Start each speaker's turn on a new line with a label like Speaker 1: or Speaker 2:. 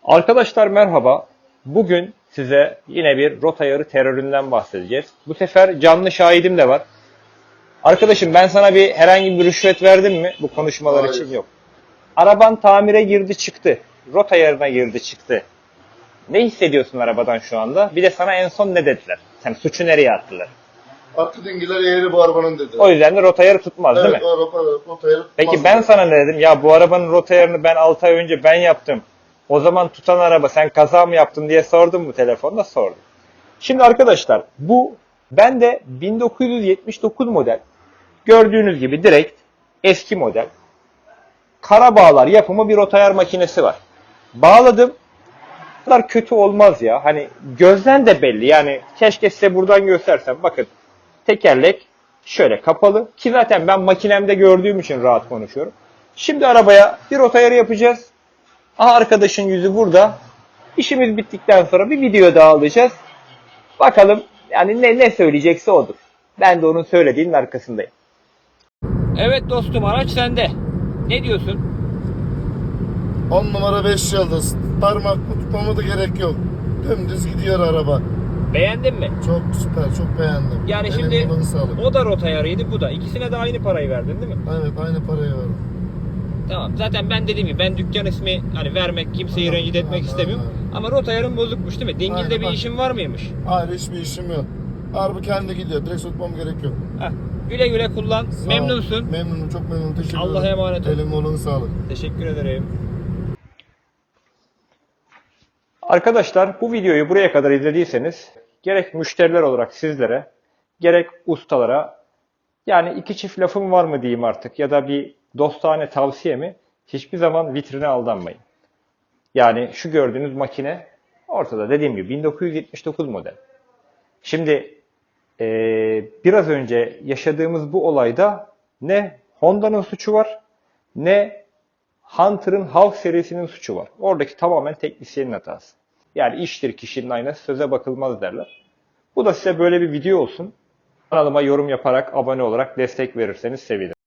Speaker 1: Arkadaşlar merhaba. Bugün size yine bir rota ayarı teröründen bahsedeceğiz. Bu sefer canlı şahidim de var. Arkadaşım ben sana herhangi bir rüşvet verdim mi bu konuşmalar
Speaker 2: Hayır.
Speaker 1: için? Yok. Araban tamire girdi çıktı. Rota ayarına girdi çıktı. Ne hissediyorsun arabadan şu anda? Bir de sana en son ne dediler? Sen suçu nereye attılar?
Speaker 2: Arka dingiler eğri bu arabanın dedi.
Speaker 1: O yüzden de rota ayarı tutmaz değil mi?
Speaker 2: Evet, o araba rotayı
Speaker 1: Peki ben sana ne dedim? Ya bu arabanın rota ayarını ben 6 ay önce ben yaptım. O zaman tutan araba sen kaza mı yaptın diye sordum mu telefonda? Sordum. Şimdi arkadaşlar ben de 1979 model, gördüğünüz gibi direkt eski model Karabağlar yapımı bir rota ayar makinesi var. Bağladım. Bu kadar kötü olmaz ya. Hani gözden de belli. Yani keşke size buradan göstersem. Bakın tekerlek şöyle kapalı. Ki zaten ben makinemde gördüğüm için rahat konuşuyorum. Şimdi arabaya bir rota ayarı yapacağız. Aha arkadaşın yüzü burada. İşimiz bittikten sonra bir video daha alacağız. Bakalım yani ne söyleyecekse odur. Ben de onun söylediğinin arkasındayım. Evet dostum, araç sende. Ne diyorsun?
Speaker 2: 10 numara 5 yıldız. Parmak tutmama da gerek yok. Dümdüz gidiyor araba.
Speaker 1: Beğendin mi?
Speaker 2: Çok süper, çok beğendim.
Speaker 1: Yani
Speaker 2: Eline
Speaker 1: şimdi
Speaker 2: koluna sağlık.
Speaker 1: o da rota ayarıydı, bu da. İkisine de aynı parayı verdin değil mi?
Speaker 2: Evet, aynı parayı verdim.
Speaker 1: Tamam. Zaten ben dediğim gibi ben dükkan ismi hani vermek, kimseyi
Speaker 2: Tamam,
Speaker 1: rencide etmek
Speaker 2: tamam,
Speaker 1: istemiyorum.
Speaker 2: aynen.
Speaker 1: Ama rota ayarın bozukmuş değil mi? Dingilde
Speaker 2: Aynen,
Speaker 1: bir
Speaker 2: bak.
Speaker 1: işin var mıymış?
Speaker 2: Hayır, hiçbir işim yok. Araba kendi gidiyor. Direkt tutmam gerek yok.
Speaker 1: Heh. Güle güle kullan.
Speaker 2: Sağ ol.
Speaker 1: Memnunsun.
Speaker 2: Memnunum, çok memnunum. Teşekkür ederim.
Speaker 1: Allah'a emanet ol.
Speaker 2: Eline koluna sağlık.
Speaker 1: Teşekkür ederim. Arkadaşlar bu videoyu buraya kadar izlediyseniz gerek müşteriler olarak sizlere gerek ustalara yani iki çift lafım var mı diyeyim artık ya da bir dostane tavsiye mi, hiçbir zaman vitrine aldanmayın. Yani şu gördüğünüz makine ortada, dediğim gibi 1979 model. Şimdi biraz önce yaşadığımız bu olayda ne Honda'nın suçu var ne Hunter'ın Hawk serisinin suçu var. Oradaki tamamen teknisyenin hatası. Yani iştir kişinin aynası, söze bakılmaz derler. Bu da size böyle bir video olsun. Kanalıma yorum yaparak, abone olarak destek verirseniz sevinirim.